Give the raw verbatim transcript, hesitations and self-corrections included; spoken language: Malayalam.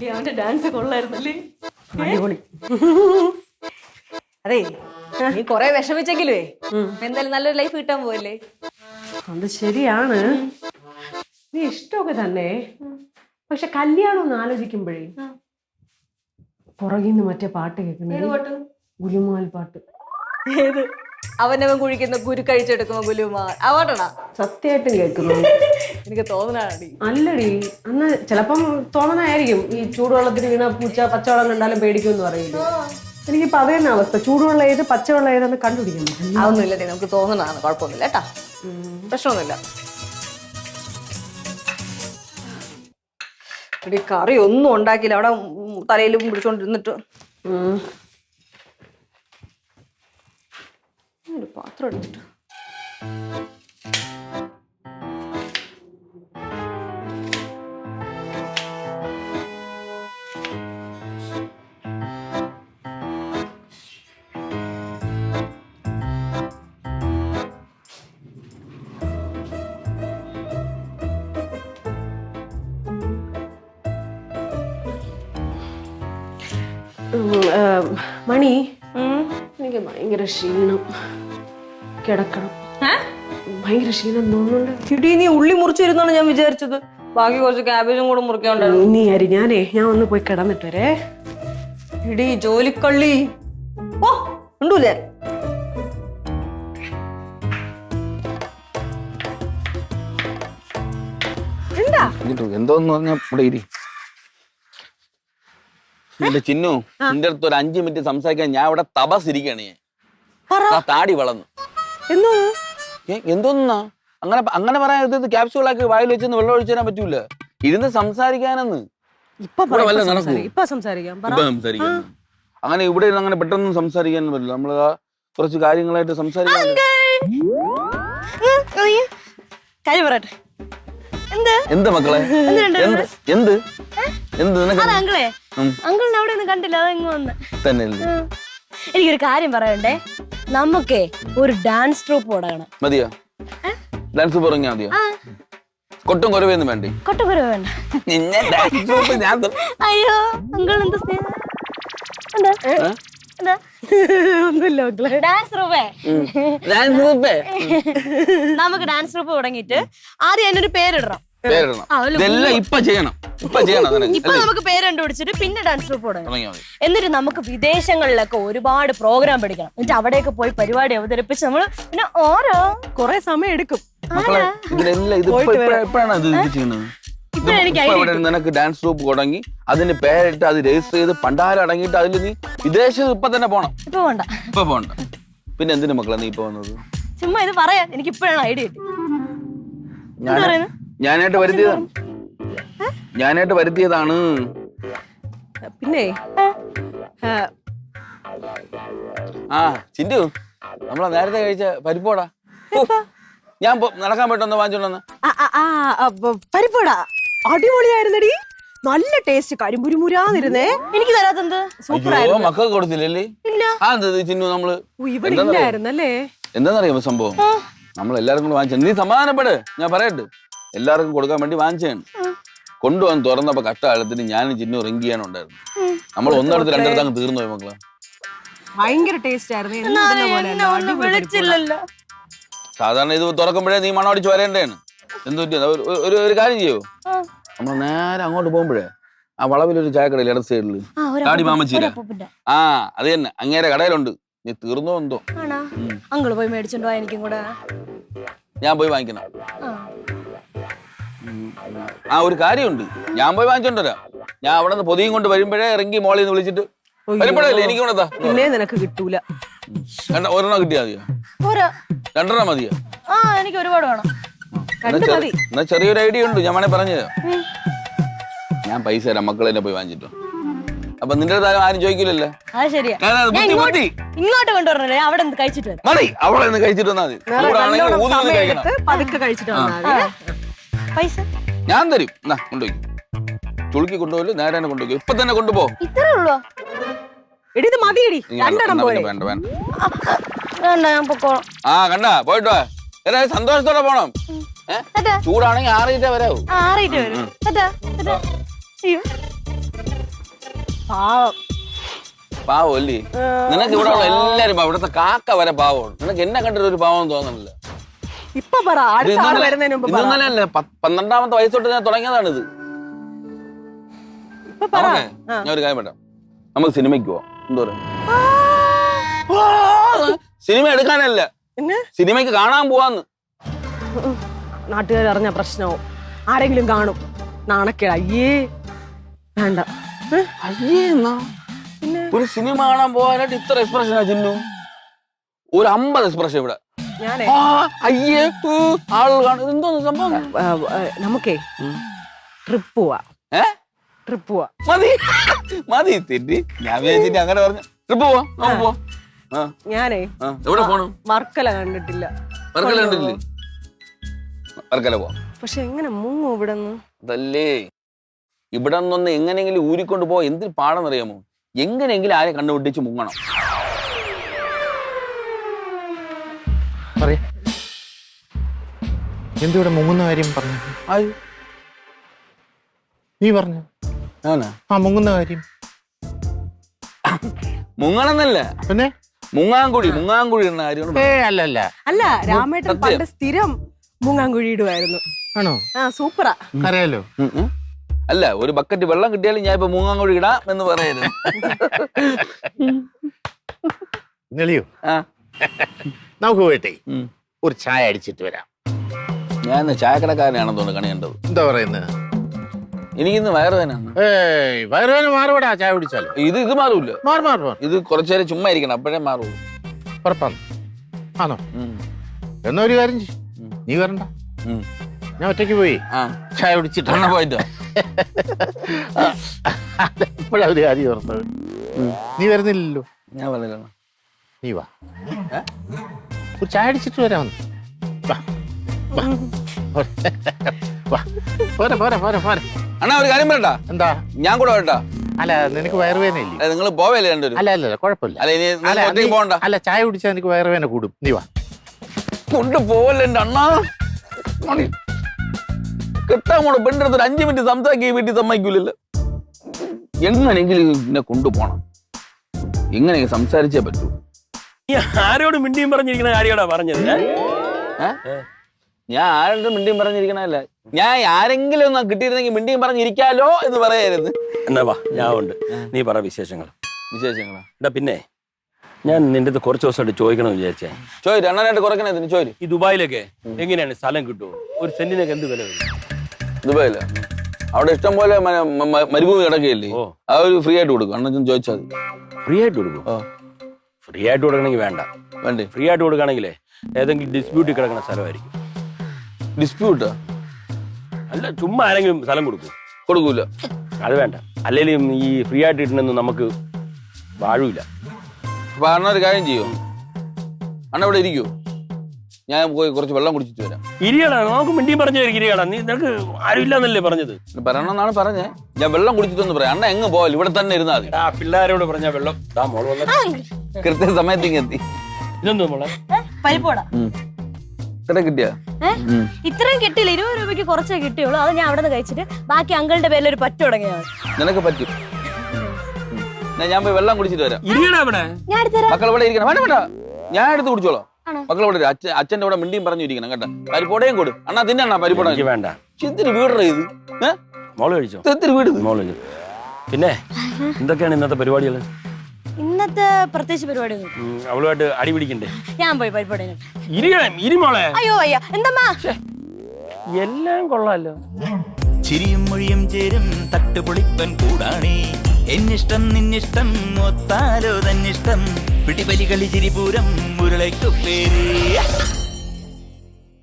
അവന്റെ ഡാൻസ് കൊള്ളായിരുന്നല്ലേ? അടിപൊളി. അതെ, നീ കൊറേ വിഷമിച്ചെങ്കിലേ എന്തായാലും നല്ലൊരു ലൈഫ് കിട്ടാൻ പോവല്ലേ? അത് ശരിയാണ്, നീ ഇഷ്ടമൊക്കെ തന്നെ. പക്ഷെ കല്യാണം ഒന്ന് ആലോചിക്കുമ്പോഴേ പുറകിന്ന് മറ്റേ പാട്ട് കേൾക്കുന്നത് ഗുലുമാൽ പാട്ട്. ഏത്? അവനവൻ കുഴിക്കുന്ന കുരു കഴിച്ചെടുക്കുമ്പോ ഗുലുമാൽ ആ പാട്ടാ? സത്യമായിട്ടും കേൾക്കുന്നു. എനിക്ക് തോന്നണാടി. അല്ലടി, അന്ന് ചിലപ്പം തോന്നണായിരിക്കും. ഈ ചൂടുവെള്ളത്തിന് വീണ പൂച്ച പച്ചവെള്ളം കണ്ടാലും പേടിക്കുമെന്ന് പറയില്ല. എനിക്കിപ്പോ അത് തന്നെ അവസ്ഥ. ചൂടുവെള്ളം ഏത് പച്ചവെള്ളം ഏതെന്ന് കണ്ടുപിടിക്കാൻ പറ്റും. അതൊന്നുമില്ല, നമുക്ക് തോന്നണതാണ്, കുഴപ്പമൊന്നുമില്ല കേട്ടാ, പ്രശ്നമൊന്നുമില്ല. ഇവിടെ കറി ഒന്നും ഉണ്ടാക്കിയില്ല, അവിടെ തലയിലും പിടിച്ചോണ്ടിരുന്നിട്ട്. ഒരു പാത്രം എടുത്തിട്ട് മണി, എനിക്ക് ഭയങ്കര ക്ഷീണം, കിടക്കണം. ഭയങ്കര ക്ഷീണം തോന്നുന്നുണ്ട്. ഇടി, നീ ഉള്ളി മുറിച്ചിരുന്നാണ് ഞാൻ വിചാരിച്ചത്. ബാക്കി കുറച്ച് ക്യാബേജും കൂടെ മുറിക്കാണ്ടായിരുന്നു. നീ അരി, ഞാനേ ഞാൻ ഒന്ന് പോയി കിടന്നിട്ട് വരേ. ഇടി ജോലിക്കള്ളി, ഓ ഉണ്ടൂലേ? എന്താ എന്തോന്ന് പറഞ്ഞാ ഇവിടെ ഇരി. എന്റെ ചിന്നു, നിന്റെ അടുത്ത് ഒരു അഞ്ചു മിനിറ്റ് സംസാരിക്കാൻ ഞാൻ ഇവിടെ തപസിരിക്കണേ. താടി വളർന്നു. എന്തോന്നാ അങ്ങനെ അങ്ങനെ പറയാൻ? ക്യാപ്സ്യൂളാക്കി വായിൽ വെച്ചെന്ന് വെള്ളം ഒഴിച്ചു തരാൻ പറ്റൂല. ഇരുന്ന് സംസാരിക്കാനെന്ന്. അങ്ങനെ ഇവിടെ അങ്ങനെ പെട്ടെന്ന് സംസാരിക്കാൻ പറ്റില്ല. നമ്മള് കുറച്ച് കാര്യങ്ങളായിട്ട് സംസാരിക്കാൻ. എന്ത് മക്കളെ? എന്ത് എന്ത് എന്ത് അങ്കിളെ, അങ്കിളിനെ അവിടെ ഒന്നും കണ്ടില്ല, അതെങ്ങ് വന്ന് തന്നെയല്ലേ. എനിക്കൊരു കാര്യം പറയണ്ടേ, നമുക്കേ ഒരു ഡാൻസ് ട്രൂപ്പ് തുടങ്ങണം. മതിയോ? ഡാൻസ് പറഞ്ഞാ മതിയോ? കൊട്ടും കുറവൊന്നും വേണ്ടേ? കൊട്ടും കുറവ് വേണ്ട. നിന്നെ ഡാൻസ് ട്രൂപ്പ് ഞാൻ അയ്യോ അങ്കിൾ എന്താ സ്നേഹം? ഡാൻസ് ട്രൂപ്പേ നമുക്ക് ഡാൻസ് ട്രൂപ്പ് തുടങ്ങിയിട്ട് ആദ്യം അതിനൊരു പേരിടണം. ഇപ്പൊ ചെയ്യണം. ഇപ്പൊ ചെയ്യണം. ഇപ്പൊ നമുക്ക് പേര് കണ്ടുപിടിച്ചിട്ട് പിന്നെ ഡാൻസ് ട്രൂപ്പ് തുടങ്ങണം. എന്നിട്ട് നമുക്ക് വിദേശങ്ങളിലൊക്കെ ഒരുപാട് പ്രോഗ്രാം പഠിക്കണം. എന്നിട്ട് അവിടെയൊക്കെ പോയി പരിപാടി അവതരിപ്പിച്ച് നമ്മള് പിന്നെ ഓരോ കൊറേ സമയം എടുക്കും. നിനക്ക് ഡാൻസ് ട്രൂപ്പ് തുടങ്ങി അതിന് പേരിട്ട് അത് രജിസ്റ്റർ ചെയ്ത് പണ്ടാരം അടങ്ങിയിട്ട് അതിൽ നീ വിദേശത്ത് ഇപ്പൊ തന്നെ പോണം. ഇപ്പൊ പോണ്ട, ഇപ്പൊ പോണ്ട. പിന്നെ എന്തിനു മക്കളെ നീ ഇപ്പൊ വന്നത്? ചുമ്മാ ഇത് പറയാ, എനിക്ക് ഇപ്പോഴാണ് ഐഡിയ കിട്ടി. ഞാനായിട്ട് വരുത്തിയതാണ് ഞാനായിട്ട് വരുത്തിയതാണ് പിന്നെ ആ ചിന്തു, നമ്മളെ നേരത്തെ കഴിച്ച പരിപ്പോടാ. ഞാൻ നടക്കാൻ പറ്റുന്ന വാങ്ങിച്ചോണ്ടെന്ന്. പരിപ്പോടാ അടിപൊളിയായിരുന്നടി, നല്ല ടേസ്റ്റ്, കരിമ്പുരുമുരാന്നിരുന്നേ. എനിക്ക് തരാത്തെന്ത്? സൂപ്പറായിരുന്നു. മക്കൾ കൊടുത്തില്ലല്ലേ? ആ എന്തത് ചിന്നു, നമ്മള് എന്താന്നറിയാമോ സംഭവം? നമ്മൾ എല്ലാവർക്കും കൂടെ വാങ്ങിച്ചു. നീ സമാധാനപ്പെട്, ഞാൻ പറയട്ടെ. എല്ലാവർക്കും കൊടുക്കാൻ വേണ്ടി വാങ്ങിച്ചാണ്. കൊണ്ടുവന്ന് തുറന്നപ്പോ കഷ്ടകാലത്തിന് ഞാനും ചിന്നു റിങ് ചെയ്യാനുണ്ടായിരുന്നു. നമ്മൾ ഒന്നിടത്ത് രണ്ടിടത്ത് അങ്ങ് തീർന്നു പോയി മക്കളെ. ഭയങ്കര ടേസ്റ്റ് ആയിരുന്നു. സാധാരണ ഇത് തുറക്കുമ്പോഴേ നീ മണമടിച്ച് വരേണ്ടതാണ്. എന്ത് പറ്റിയത്? ഒരു ഒരു കാര്യം ചെയ്യോ, നമ്മൾ നേരെ അങ്ങോട്ട് പോകുമ്പോഴേ ആ വളവിലൊരു ചായക്കടയിൽ ഇടത് സൈഡില് കാടി മാമച്ചീര, ആ അത് തന്നെ, അങ്ങേരെ കടയിലുണ്ട്. നീ തീർന്നോ എന്തോ? അങ്കിള് പോയി മേടിച്ചോണ്ടോ? എനിക്കും കൂടെ ഞാൻ പോയി വാങ്ങിക്കണം. ആ ഒരു കാര്യമുണ്ട്, ഞാൻ പോയി വാങ്ങിച്ചോണ്ടരാ. ഞാൻ അവിടെ നിന്ന് പൊതിയും കൊണ്ട് വരുമ്പോഴേ ഇറങ്ങി മോളിൽ നിന്ന് വിളിച്ചിട്ട് വരുമ്പോഴല്ലേ എനിക്ക് കൊണ്ടാ. പിന്നെ നിനക്ക് കിട്ടൂല. ഒരെണ്ണം കിട്ടിയാ മതിയോ? രണ്ടെണ്ണം മതിയോ? ആ എനിക്ക് ഒരുപാട് വേണം. എന്നാ ചെറിയൊരു ഐഡിയ ഉണ്ട്, ഞാൻ വേണേ പറഞ്ഞുതരാം. ഞാൻ പൈസ തരാം, മക്കളെ തന്നെ പോയി വാങ്ങിച്ചിട്ടോ. അപ്പൊ നിന്റെ അടുത്ത് ആരും ചോദിക്കില്ലല്ലോ. അത് ശരിയാ. ഇങ്ങോട്ട് കൊണ്ടുവരണേ, അവിടെ കഴിച്ചിട്ട് മതി. അവിടെ നിന്ന് കഴിച്ചിട്ട് വന്നാൽ മതി. പൈസ ഞാൻ തരും. എന്നാ കൊണ്ടുപോയി ചുളുക്കി കൊണ്ടുപോയി നേരെ തന്നെ കൊണ്ടുപോയി. ഇപ്പൊ തന്നെ കൊണ്ടുപോ. ഇത്രേ ഉള്ളൂ. വേണ്ട വേണ്ട. ആ കണ്ടാ പോയിട്ടോ. സന്തോഷത്തോടെ പോണം. ചൂടാണെങ്കിൽ ആറിയിട്ടേ വരാവൂ. ആറിയിട്ട് വരും. പാവം പാവം അല്ലേ? നിനക്ക് ഇവിടെ ഉള്ള എല്ലാരും ഇവിടുത്തെ കാക്ക വരെ പാവമാണ്. നിനക്ക് എന്നെ കണ്ടിട്ട് ഒരു പാവം തോന്നുന്നില്ല. ഇപ്പൊ പറ, അടുത്ത ആള് വരുന്നതിന് മുമ്പ് പറ. ഇതൊന്നല്ലേ പന്ത്രണ്ടാമത്തെ വയസ്സോട്ട് ഞാൻ തുടങ്ങിയതാണ് ഇത്. ഇപ്പൊ പറ. ഞാൻ ഒരു കാര്യം പറയാം, നമുക്ക് സിനിമയ്ക്ക് പോവാം. എന്താ പറയാ? സിനിമ എടുക്കാനല്ല, സിനിമയ്ക്ക് കാണാൻ പോവാന്ന്. നാട്ടുകാർ അറിഞ്ഞ പ്രശ്നവും ആരെങ്കിലും കാണും, നാണക്കേട്. അയ്യേ വേണ്ട. അയ്യേ എന്നാ ഒരു സിനിമ കാണാൻ പോകാനായിട്ട് ഇത്ര എക്സ്പ്രഷനാ ചിന്നു? ഒരു അമ്പത് എക്സ്പ്രഷൻ ഇവിടെ. ഞാനേ അയ്യേ ആളുകൾ കാണും. എന്തോന്ന് സംഭവം? നമുക്കേ ട്രിപ്പ് പോവാ. ഏ ട്രിപ്പ് പോവാ. മതി മതി തെറ്റി. ഞാൻ വിചാരിച്ചിട്ട് അങ്ങനെ പറഞ്ഞു. ട്രിപ്പ് പോവാ, നമുക്ക് പോവാം. ഞാനേ എവിടെ പോണം? വർക്കല കണ്ടിട്ടില്ല. വർക്കല കണ്ടിട്ടില്ലേ? വർക്കല പോവാം. പക്ഷെ എങ്ങനെ മുങ്ങും ഇവിടെ നിന്ന്? അതല്ലേ, ഇവിടെ നിന്നൊന്ന് എങ്ങനെയെങ്കിലും ഊരിക്കൊണ്ട് പോവാ. എന്തിന് പാടെന്നറിയാമോ? എങ്ങനെയെങ്കിലും ആരെ കണ്ടുപിടിച്ച് മുങ്ങണം. എന്തിവിടെ മുങ്ങുന്ന കാര്യം പറഞ്ഞു? നീ പറഞ്ഞു ആ മുങ്ങുന്ന കാര്യം. മുങ്ങണമെന്നല്ല, പിന്നെ മുങ്ങാങ്കുഴി മുങ്ങാങ്കുഴി എന്ന കാര്യം. ഏ അല്ല അല്ല അല്ല, രാമേട്ടൻ പണ്ട് സ്ഥിരം മുങ്ങാങ്കുഴി ഇടുവായിരുന്നു. ആണോ? ആ സൂപ്പറാ. അറിയാലോ. അല്ല, ഒരു ബക്കറ്റ് വെള്ളം കിട്ടിയാലും ഞാൻ ഇപ്പൊ മുങ്ങാങ്കുഴി ഇടാം എന്ന് പറയുന്നത്. നെളിയോ? നമുക്ക് പോയിട്ടേ ഒരു ചായ അടിച്ചിട്ട് വരാം. ഞാൻ ചായക്കടക്കാരനാണെന്ന് തോന്നുന്നു കണിയേണ്ടത്. എന്താ പറയുന്നത്? എനിക്കിന്ന് വയറുവേനാണ്. ഏയ് വയറുവേന മാറുപടാ ചായ കുടിച്ചാലോ. ഇത് ഇത് മാറൂല. മാറി മാറി മാറി ഇത് കുറച്ചേരം ചുമ്മാ ഇരിക്കണം, അപ്പോഴേ മാറുള്ളൂ. ഉറപ്പാണ്. ആണോ? എന്നാ ഒരു കാര്യം ചെയ്യ്, നീ വരണ്ട, ഞാൻ ഒറ്റയ്ക്ക് പോയി ചായ കുടിച്ചിട്ട് പോയിട്ടോ. ഇപ്പോഴാ ഒരു കാര്യം ഓർത്തത്. നീ വരുന്നില്ലല്ലോ. ഞാൻ പറഞ്ഞില്ല. നീ വാ, ഒരു ചായ അടിച്ചിട്ട് വരാം. പോരെ പോരെ പോരെ പോരെ. അണ്ണാ ഒരു കാര്യം പറയട്ടാ. എന്താ? ഞാൻ കൂടെ വരട്ടാ? അല്ല നിനക്ക് വയറുവേന ഇല്ലേ? നിങ്ങൾ പോവല്ലേ രണ്ടുപേരും? അല്ല അല്ല കുഴപ്പമില്ല. അല്ല ഇനി ഒറ്റയ്ക്ക് പോകണ്ട. അല്ല ചായ കുടിച്ചാൽ എനിക്ക് വയറുവേന കൂടും. നീ വാ. കൊണ്ട് പോവല്ലേ എന്റെ അണ്ണാ. കിട്ടാൻ പോണ പെണ്ണെടുത്ത് ഒരു അഞ്ചു മിനിറ്റ് സംസാരിക്കുക ഈ വീട്ടിൽ സമ്മതിക്കൂലല്ലോ. എങ്ങനെയെങ്കിലും എന്നെ കൊണ്ടുപോണം. എങ്ങനെ സംസാരിച്ചേ പറ്റൂ. ആരോട് മിണ്ടിയും പറഞ്ഞിരിക്കുന്ന കാര്യമാടാ പറഞ്ഞത്? ഞാൻ ആരോടും മിണ്ടിയും പറഞ്ഞിരിക്കണല്ല, ഞാൻ ആരെങ്കിലും ഒന്ന് കിട്ടിയിരുന്നെങ്കിൽ മിണ്ടിയും പറഞ്ഞിരിക്കാലോ എന്ന് പറയായിരുന്നു. എന്നാ വാ, ഞാൻ ഉണ്ട്. നീ പറ വിശേഷങ്ങൾ. വിശേഷങ്ങളാ? എടാ പിന്നെ ഞാൻ നിന്റെ അടുത്ത് കുറച്ച് ദിവസമായിട്ട് ചോദിക്കണം വിചാരിച്ചേ. ചോദിച്ചു എണ്ണനായിട്ട് കുറയ്ക്കണേ ചോദിച്ചു. ഈ ദുബായിലൊക്കെ എങ്ങനെയാണ് സ്ഥലം കിട്ടുമോ? ഒരു സെന്റിനൊക്കെ എന്ത് വില വരും? ദുബായില അവിടെ ഇഷ്ടം പോലെ മരുഭൂമി കിടക്കുകയല്ലേ, ആ ഒരു ഫ്രീ ആയിട്ട് കൊടുക്കും. അണ്ണൻ ചോദിച്ചാൽ ഫ്രീ ആയിട്ട് കൊടുക്കും? ഫ്രീ ആയിട്ട് കൊടുക്കണമെങ്കിൽ വേണ്ട. വേണ്ടേ? ഫ്രീ ആയിട്ട് കൊടുക്കുകയാണെങ്കിലേ ഏതെങ്കിലും ഡിസ്പ്യൂട്ടിൽ കിടക്കുന്ന സ്ഥലമായിരിക്കും. ഡിസ്പ്യൂട്ടാ? അല്ല, ചുമ്മാ ആരെങ്കിലും സ്ഥലം കൊടുക്കും? കൊടുക്കൂല. അത് വേണ്ട. അല്ലെങ്കിലും ഈ ഫ്രീ ആയിട്ട് കിട്ടണമെന്ന് നമുക്ക് വാഴൂല. അപ്പൊ അണ്ണ ഒരു കാര്യം ചെയ്യോ, അണ്ണ ഇവിടെ ഇരിക്കൂ, ഞാൻ പോയി കുറച്ച് വെള്ളം കുടിച്ചിട്ട് വരാം. ഇരിയടാ, നമുക്ക് മിണ്ടിയും പറഞ്ഞു ഇരിക്കടാ. നീ നിനക്ക് ആരും ഇല്ലാന്നല്ലേ പറഞ്ഞത്? പറയണമെന്നാണ് പറഞ്ഞേ. ഞാൻ വെള്ളം കുടിച്ചിട്ടൊന്ന് പറയാം. അണ്ണ എങ്ങ് പോവല്ലോ, ഇവിടെ തന്നെ ഇരുന്നാൽ മതി. ആ പിള്ളേരോട് പറഞ്ഞ വെള്ളം കൃത്യ സമയത്തേക്ക് എത്തി. ഇതെന്തോ മോളെ? പരിപ്പോടാ. ഇത്ര കിട്ടിയാ? ഇത്രയും കിട്ടിയില്ല, ഇരുപത് രൂപയ്ക്ക് കുറച്ചേ കിട്ടിയുള്ളൂ. അത് ഞാൻ അവിടെ നിന്ന് കഴിച്ചിട്ട് ബാക്കി അങ്കിളുടെ പേരിൽ ഒരു പറ്റ തുടങ്ങിയാണ്. നിനക്ക് പറ്റും. ഞാൻ പോയി വെള്ളം കുടിച്ചിട്ട് വരാം. മക്കൾ ഇവിടെ ഇരിക്കണം. വേണ്ട വേണ്ട, ഞാൻ എടുത്ത് കുടിച്ചോളാം. മക്കൾ ഇവിടെ അച്ഛൻ അച്ഛൻ്റെ ഇവിടെ മിണ്ടിയും പറഞ്ഞു ഇരിക്കണം കേട്ടോ. പരിപ്പോടയും കൊടു. അണ്ണാ തിന്നണ്ണ പരിപ്പോട. വേണ്ട. എന്തിന് വീടറ ഇത്? മോള് കഴിച്ചോ? എന്തിന് വീട്? മോള്. പിന്നെ എന്തൊക്കെയാണ് ഇന്നത്തെ പരിപാടികൾ? ഇന്നത്തെ പ്രത്യേകിച്ച് പരിപാടി അവളുമായിട്ട് അടി പിടിക്കണ്ടേ? ഞാൻ പോയി പരിപാടി. ഇരുമോളെ. അയ്യോ അയ്യ, എന്താ എല്ലാം കൊള്ളാലോ. ചിരിയും മൊഴിയും ചേരും തട്ടുപൊളിപ്പൻ കൂടാണേ. എന്നിഷ്ടം നിന്നിഷ്ടം ഒത്താലോ തന്നിഷ്ടം. പിടിപലി കളി ചിരിപൂരം മുരളയ്ക്കു പേര്.